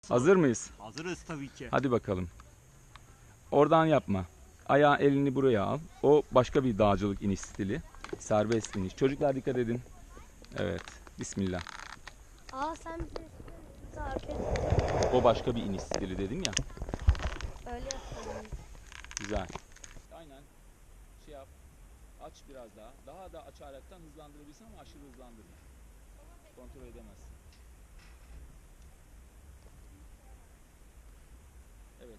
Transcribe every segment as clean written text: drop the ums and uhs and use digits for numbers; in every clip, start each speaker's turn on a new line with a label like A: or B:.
A: Hazır mıyız?
B: Hazırız tabii ki.
A: Hadi bakalım. Oradan yapma. Ayağı elini buraya al. O başka bir dağcılık iniş stili. Serbest iniş. Çocuklar dikkat edin. Evet. Bismillah.
C: Sen bize tarif et.
A: O başka bir iniş stili dedim ya.
C: Öyle yapalım.
A: Güzel. Aynen. Şey yap. Aç biraz daha. Daha da açaraktan hızlandırabilirsin ama aşırı hızlandırma. Kontrol edemezsin. Evet.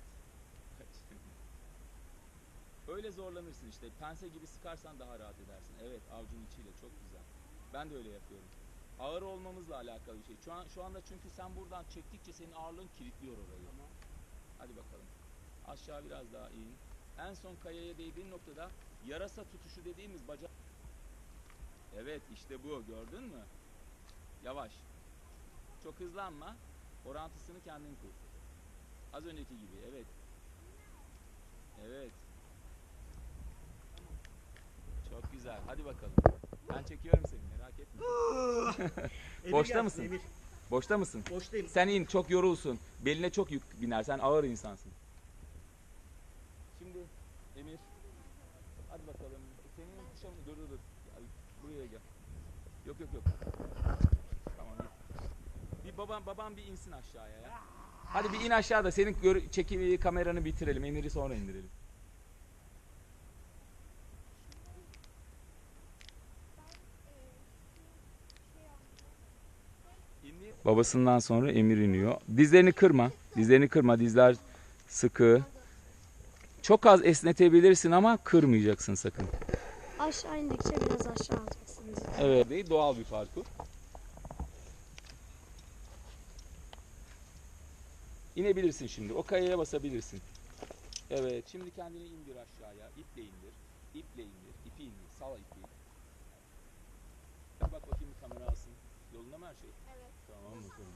A: Öyle zorlanırsın işte. Pense gibi sıkarsan daha rahat edersin. Evet, avucun içiyle çok güzel. Ben de öyle yapıyorum. Ağır olmamızla alakalı bir şey. Şu anda çünkü sen buradan çektikçe senin ağırlığın kilitliyor orayı. Hadi bakalım. Aşağı biraz daha in. En son kayaya değdiğin noktada yarasa tutuşu dediğimiz bacak. Evet, işte bu. Gördün mü? Yavaş. Çok hızlanma. Orantısını kendin kur. Az önceki gibi. Evet. Evet. Çok güzel. Hadi bakalım. Ben çekiyorum seni. Merak etme. Boşta mısın?
B: Emir.
A: Boşta mısın?
B: Boştayım.
A: Sen in. Çok yorulsun. Beline çok yük biner. Sen ağır insansın. Şimdi Emir. Hadi bakalım. Senin kuşam. Dur. Gel, buraya gel. Yok. Tamam. Bir babam bir insin aşağıya ya. Hadi bir in aşağıda. Senin çekimi kameranı bitirelim. Emir'i sonra indirelim. Babasından sonra Emir iniyor. Dizlerini kırma. Dizler sıkı. Çok az esnetebilirsin ama kırmayacaksın sakın.
C: Aşağı indikçe biraz aşağı alacaksınız.
A: Evet, değil, doğal bir parkur. İnebilirsin şimdi. O kayaya basabilirsin. Evet, şimdi kendini indir aşağıya. İple indir. İpi indir. Sal ipi. Bak bakayım bir kamera alsın. Yolunda mı her şey?
C: Evet.
A: Tamam bakalım.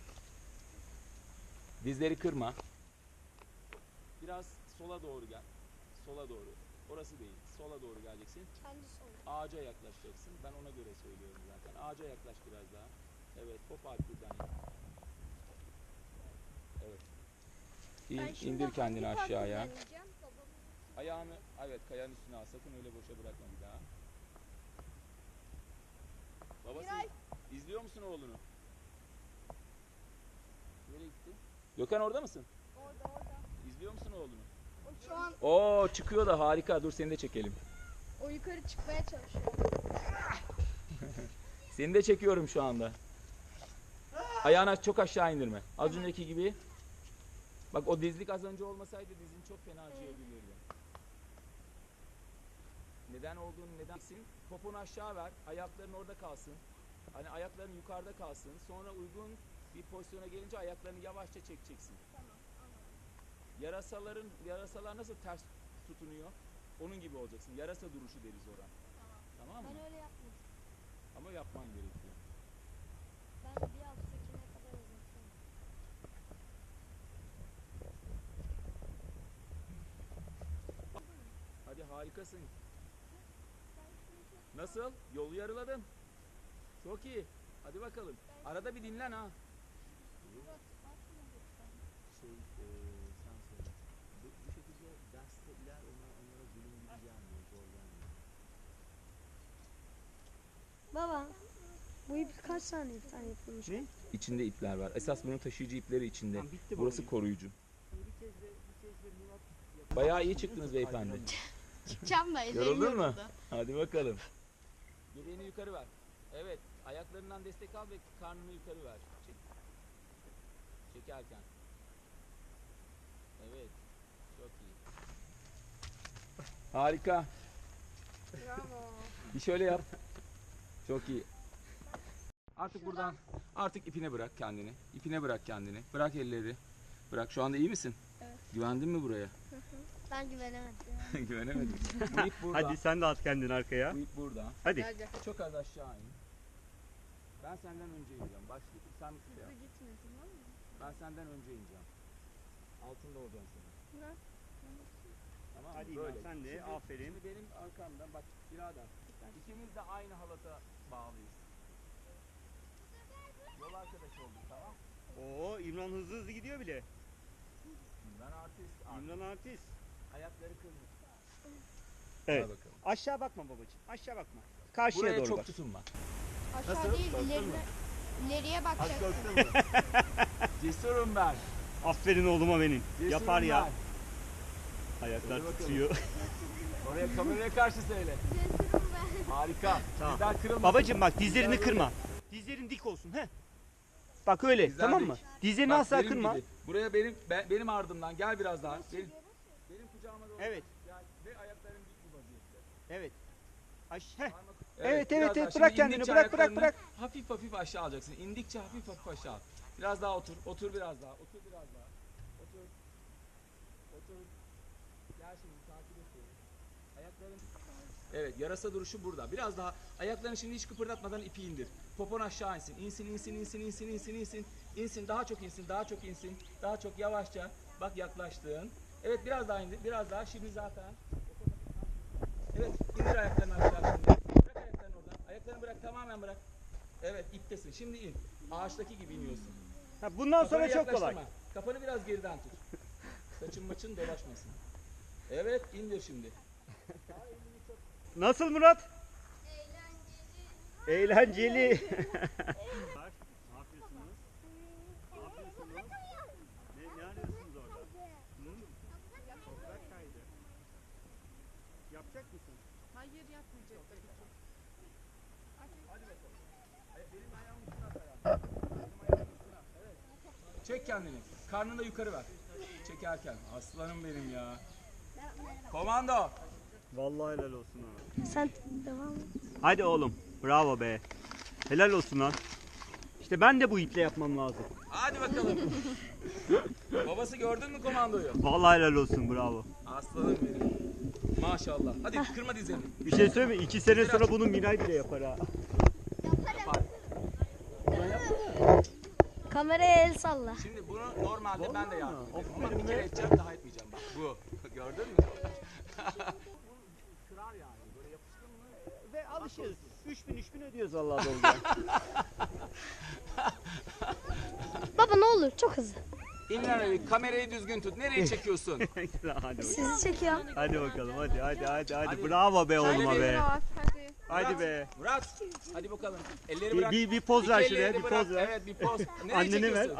A: Dizleri kırma. Biraz sola doğru gel. Sola doğru. Orası değil. Sola doğru geleceksin.
C: Kendi solu.
A: Ağaca yaklaşacaksın. Ben ona göre söylüyorum zaten. Ağaca yaklaş biraz daha. Evet. Hop arkadan in. Evet. İndir kendini aşağıya. Ayağını evet kayanın üstüne al. Sakın öyle boşa bırakma bir daha. Babası izliyor musun oğlunu? Nereye gitti? Gökhan orada mısın?
C: Orada.
A: İzliyor musun oğlunu?
C: Şu an
A: Oo çıkıyor da harika. Dur seni de çekelim.
C: o yukarı çıkmaya çalışıyor.
A: Seni de çekiyorum şu anda. Ayağını çok aşağı indirme. Az önceki gibi. Bak o dizlik az önce olmasaydı dizin çok fena acıyabilirdi. Neden olduğunu nedensin? Poponu aşağı ver. Ayakların orada kalsın. Hani ayakların yukarıda kalsın. Sonra uygun bir pozisyona gelince ayaklarını yavaşça çekeceksin. Yarasalar nasıl ters tutunuyor? Onun gibi olacaksın. Yarasa duruşu deriz ona. Tamam mı?
C: Ben öyle yapmadım.
A: Ama yapman gerekiyor.
C: Ben bir alttakine kadar uzatıyorum.
A: Hadi harikasın. Nasıl? Yolu yarıladın. Çok iyi. Hadi bakalım. Arada bir dinlen ha. Sen söyle. Bu şekilde derste onlara zulüm gibi gelmiyor, zor gelmiyor.
C: Baba, bu ip kaç tane ipten yapılmış?
B: Ne?
A: İçinde ipler var. Esas bunun taşıyıcı ipleri içinde.
B: Tamam, bitti
A: Burası
B: baba.
A: koruyucu.
B: Bir kez de Murat
A: Bayağı iyi çıktınız beyefendi.
D: Çıkacağım da ellerim
A: Yoruldun mu?
D: yoruldu.
A: Hadi bakalım. Göbeğini yukarı ver. Evet. Ayaklarından destek al ve karnını yukarı ver. Çek. Çekerken. Evet. Çok iyi. Harika.
C: Bravo.
A: Bir şöyle yap. Çok iyi. Artık ipine bırak kendini. Bırak elleri. Bırak. Şu anda iyi misin?
C: Evet.
A: Güvendin mi buraya?
C: Ben güvenemedim.
A: Güvenemedim. Bu ip burada.
B: Hadi sen de at kendini arkaya.
A: Bu ip burada.
B: Hadi.
A: Çok az aşağı in. Ben senden önce ineceğim. Başla. Sen
C: Hızlı gitme, tamam mı?
A: ben senden önce ineceğim. Altında olacağım senin.
C: Ne?
A: Tamam mı?
B: Hadi
A: Böyle.
B: İlhan, sen de, aferin.
A: Şimdi benim arkamdan bak birader. İkimiz de aynı halata bağlıyız. Yol arkadaşı olduk, tamam?
B: Oo, İmran hızlı gidiyor bile.
A: İmran artist.
B: İmran artist.
A: Ayakları kırmış.
B: Evet.
A: Hadi bakalım.
B: Aşağı bakma babacığım. Aşağı bakma. Karşıya
A: Buraya
B: doğru
A: çok
B: bak.
A: tutunma.
D: Aşağı
A: Nasıl?
D: değil
A: Korktun
D: ilerine,
A: mu?
D: ileriye
A: Az
D: bakacaksın.
A: korktun mu? Cesurum ben.
B: Aferin oğluma benim.
A: Cesurum
B: Yapar ya.
A: ben.
B: Ayaklar
A: Hadi bakalım.
B: tutuyor.
A: Oraya kameraya karşı söyle. Harika.
B: Tamam.
A: Dizler kırılmasın.
B: Babacığım bak dizlerini
A: Dizler
B: kırma. Dizlerin dik olsun. He. Bak öyle,
A: Dizler
B: tamam
A: dik.
B: mı? Dizlerini
A: Bak,
B: asla
A: benim
B: kırma.
A: gibi. Buraya benim ardımdan gel biraz daha. Benim kucağıma doğru.
B: Evet.
A: Gel ve ayakların dik bu vaziyette.
B: Evet. Heh.
A: Parmak-
B: Evet,
A: biraz
B: evet,
A: daha.
B: evet.
A: Şimdi
B: Bırak kendini,
A: indikçe
B: bırak, bırak,
A: ayaklarını
B: bırak.
A: Hafif hafif aşağı alacaksın. İndikçe hafif hafif aşağı al. Biraz daha otur. Otur biraz daha. Otur biraz daha. Otur. Otur. Gel şimdi takip et beni. Ayakların. Evet, yarasa duruşu burada. Biraz daha ayaklarını şimdi hiç kıpırdatmadan ipi indir. Popon aşağı insin. İnsin, insin, insin, insin, insin, insin. İnsin, daha çok insin, daha çok insin. Daha çok yavaşça. Bak yaklaştın. Evet, biraz daha indir. Biraz daha. Şimdi zaten. Evet, indir ayaklarını aşağı şimdi. Bırak ayaklarını oradan. Ayaklarını bırak, tamamen bırak. Evet, iptesin. Şimdi in. Ağaçtaki gibi iniyorsun.
B: Ha, bundan sonra
A: Kafanı
B: çok kolay.
A: yaklaştırma. Kafanı biraz geriden tut. Saçın maçın dolaşmasın. Evet, indir şimdi.
B: Nasıl Murat? Eğlenceli. Ne yapıyorsunuz? Ne yapıyorsunuz? Ne arıyorsunuz orada? Toprak kaydı. Yapacak mısın?
D: Hayır yapmayacak tabii ki.
A: Benim ayağımın üstüne at ayağını. Benim ayağımın üstüne at. Evet. Çek kendini. Karnını da yukarı ver. Çekerken. Aslanım benim ya. Komando.
B: Vallahi helal olsun ha.
C: Sen devam et.
B: Hadi oğlum. Bravo be. Helal olsun lan. İşte ben de bu iple yapmam lazım.
A: Hadi bakalım. Babası gördün mü komandoyu?
B: Vallahi helal olsun, bravo.
A: Aslanım benim. Maşallah. Hadi kırma dizlerini.
B: Bir şey söyleyeyim mi? 2 sene sonra bunu Miray bile yapar ha.
A: Yapar.
C: Kameraya el salla.
A: Şimdi bunu normalde ben de
B: Vallahi
A: yardım
B: mi?
A: ederim. Ama
B: Aferin
A: bir kere
B: be.
A: edeceğim daha etmeyeceğim bak. Bu. Gördün mü? Kırar yani. Böyle yapıştın mı?
B: Ve alışırız. 3000 ödüyoruz Allah'a dolga.
C: Baba ne olur çok hızlı.
A: İmran abi kamerayı düzgün tut. Nereye çekiyorsun?
B: Hadi bakalım.
C: Sizi çekiyor.
B: Hadi bakalım. Hadi.
A: Hadi.
B: Bravo be oğluma
A: Şöyle bir
B: be.
D: Rahat hadi.
B: Hadi be.
A: Murat. Hadi bakalım. Elleri
B: Bir,
A: bırak.
B: bir poz
A: İki
B: ver
A: ellerini
B: şuraya. Bir
A: bırak.
B: poz ver.
A: Evet bir poz. Nereye
B: Anneni ver.
A: çekiyorsun?